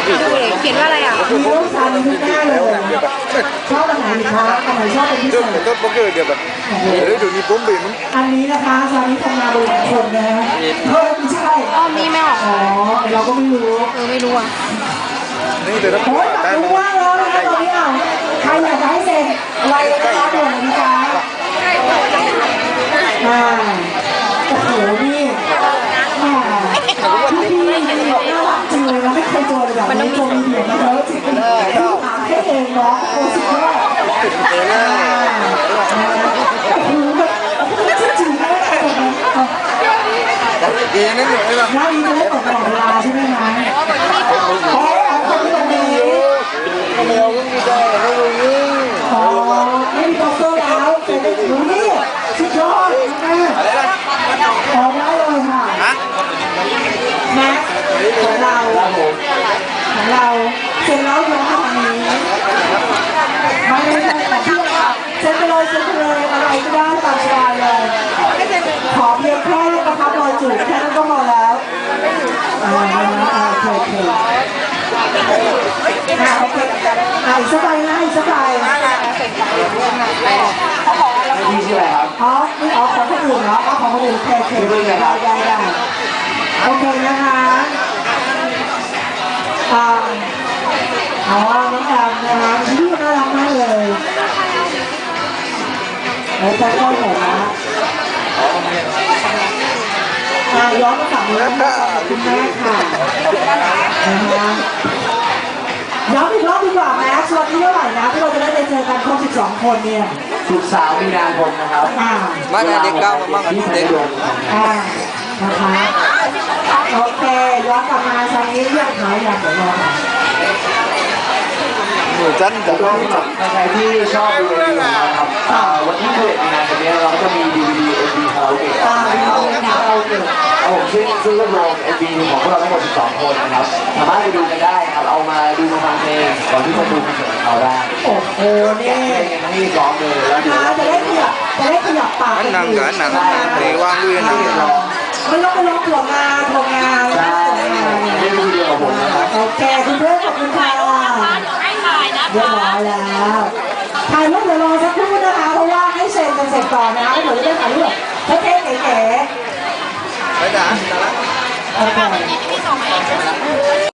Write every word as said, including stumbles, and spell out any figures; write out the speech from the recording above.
เขียนว่าอะไรอ่ะมีรูปชาลีทุกหน้าเลยชอบอันไหนคะอันไหนชอบเป็นพิเศษต้นโป๊กเกอร์เดียวแบบเดี๋ยวดูนี่ปุ๊บเลยมั้งอันนี้นะคะชาลีทำงานบริษัทคนนะเฮ้ยไม่ใช่อ้อมนี่ไม่ออกอ๋อเราก็ไม่รู้เออไม่รู้อ่ะนี่เดี๋ยวเราโอ้ยอยากรู้มากแล้วนะคะตอนนี้อ่ะใครอยากจะให้เซ็นอะไรนะคะด่วนนะจ๊ะอ่าโอ้โหนี่แหมพี่พี่น่ารักจริงเลยนะไม่เคยเจอแบบนี้โจมีเดียมาเยอะจริงๆถามแค่เองเนาะโอ้สุดยอดอ่าโอ้โหแบบจริงๆนะเองนั่นเลยป่ะน่าดีจะได้ตกตลอดเวลาใช่ไหมคะอ๋อคนที่ตรงนี้ไม่เอาก็ไม่ได้ไม่รู้นี่อ๋อไม่มีโปสเตอร์แล้วเสร็จดูนี่สุดยอดนะขอได้เลยค่ะแม็กของเราของเราเสร็จแล้วย้อนมาทางนี้ไม่ไม่ใช่ของพี่ค่ะเซ็นไปเลยเซ็นไปเลยอะไรก็ได้ตามสบายเลยขอเพียงแค่ประทับรอยจูบแค่นั้นก็พอแล้วอ่าโอเคโอเคอ่าโอเคอ่าอีกสักใบนะอีกสักใบนี่ชื่ออะไรครับอ๋อนี่อ๋อของคนอื่นเหรออ๋อของคนอื่นโอเคโอเคได้ได้ได้โอเคนะคะอ่าอ๋อน้องแอมนะคะที่น่ารักมากเลยแล้วใจก็หมดนะอ่าย้อนมาฝั่งนี้นะคะขอบคุณแม่ค่ะนะคะย้อนอีกรอบดีกว่าแม็กซ์วันที่เท่าไหร่นะที่เราจะได้ไปเจอกันครบสิบสองคนเนี่ยสุกสาวมีนาคมนะครับอ่ามาเด็กเก้ามาบ้างเด็กอ่านะคะโอเคย้อนกลับมาทางนี้เรียกหาอย่างเดี๋ยวรอค่ะหนูจันจะก็ใครที่ชอบดูดีนะครับวันที่เกิดมีนาคมนี้เราก็จะมีดีวีดีเอ็มวีคาราโอเกะอ่าวิดีโอคาราโอเกะผมซึ่งซึ่งรวบรวมเอ็มวีของพวกเราทั้งหมดสิบสองคนนะครับสามารถไปดูกันได้ครับเอามาดูมาฟังเพลงก่อนที่จะดูคอนเสิร์ตเขาได้โอ้โหนี่ทั้งนี้ร้องเลยแล้วเดี๋ยวจะได้ขยับจะได้ขยับปากนั่งกันนั่งในว่างด้วยนั่งไม่ต้องไปร้องถั่วงาถั่วงาใช่ไม่ดูเดียวกับผมนะครับโอเคคุณเพื่อนขอบคุณค่ะเรียบร้อยแล้วถ่ายรูปเดี๋ยวรอสักครู่นะคะเพราะว่าให้เซ็นกันเสร็จก่อนนะคะเดี๋ยวจะได้ถ่ายรูปเท่ๆเก๋ไปด่าด่าละๆโอเค